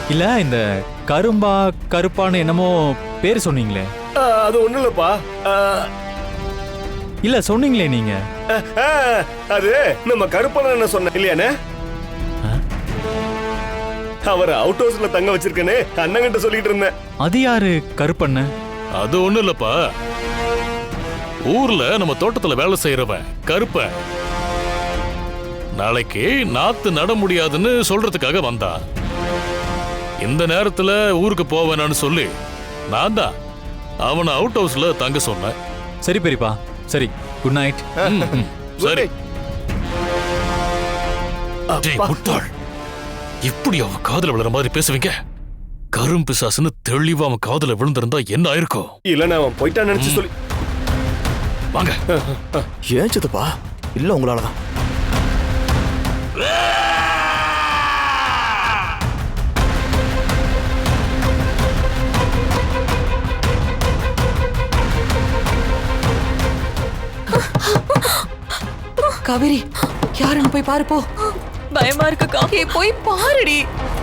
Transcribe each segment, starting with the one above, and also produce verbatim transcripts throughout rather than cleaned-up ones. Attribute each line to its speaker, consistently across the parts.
Speaker 1: இல்ல இந்த கரும்பா கருப்பான்னு என்னமோ பேர் சொன்னீங்களே?
Speaker 2: அது ஒண்ணு இல்லப்பா.
Speaker 1: இல்ல சொன்னீங்களே நீங்க.
Speaker 2: அது நம்ம கருப்பன என்ன சொன்ன இல்லையானே? அவர் அவுட் ஹவுஸ்ல தங்க வச்சிருக்கேன்னு அண்ணங்கிட்ட சொல்லிட்டு இருந்தேன்.
Speaker 1: அது யாரு கருப்பண்ண?
Speaker 3: அது ஒண்ணு இல்லப்பா, ஊர்ல நம்ம தோட்டத்துல வேலை செய்யறவன் கருப்ப. நாளைக்கு நாத்து நட முடியாதுன்னு சொல்றதுக்காக வந்தான். இந்த நேரத்துல ஊருக்கு போவேனான்னு சொல்லி நான் தான் அவனை அவுட் ஹவுஸ்ல தங்க சொன்னேன்.
Speaker 1: சரி பெரியப்பா, சரி, குட் நைட்.
Speaker 3: சரி. முட்டாள், இப்படி அவன் காதல விழுற மாதிரி பேசுவீங்க? கரும் பிசாசுன்னு தெளிவா அவன் காதல விழுந்திருந்தா என்ன ஆயிருக்கும்?
Speaker 2: இல்ல அவன் போயிட்டான்னு நினைச்சு சொல்லி
Speaker 3: வாங்க.
Speaker 4: ஏன் சித்தப்பா? இல்ல உங்களாலதான்.
Speaker 5: காவேரி, யாருன்னு போய் பாரு போ.
Speaker 6: பயமா இருக்குக்கா.
Speaker 5: ஏய் போய் பாருடி.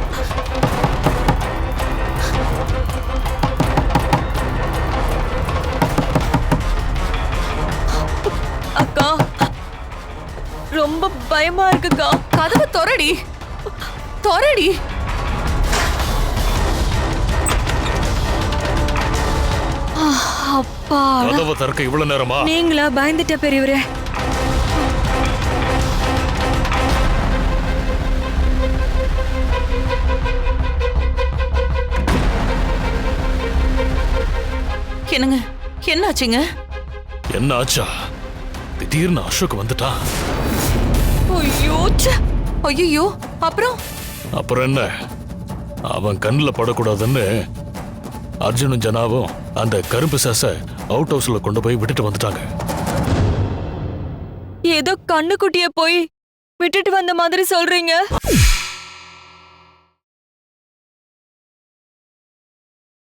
Speaker 6: அக்கா ரொம்ப பயமா இருக்குக்கா.
Speaker 5: கதவை தொறடி, தொறடி.
Speaker 6: அப்பா,
Speaker 3: கதவை திறக்க இவ்வளவு நேரமா?
Speaker 6: நீங்களா? பயந்துட்ட பெரியவரே.
Speaker 5: என்னங்க, என்னாச்சுங்க?
Speaker 3: என்ன ஆச்சா? திடீர்னு அசோக் வந்துட்டான்.
Speaker 5: ஐயோ, ஐயோ, அப்புறம்
Speaker 3: அப்புறம் என்ன, அவன் கண்ணுல படக்கூடாதுன்னு அர்ஜுனும் ஜனாவும் அந்த கரும்பு சாச அவுட் ஹவுஸ்ல கொண்டு போய் விட்டுட்டு வந்துட்டாங்க.
Speaker 6: ஏதோ கண்ணுக்குட்டிய போய் விட்டுட்டு வந்த மாதிரி சொல்றீங்க.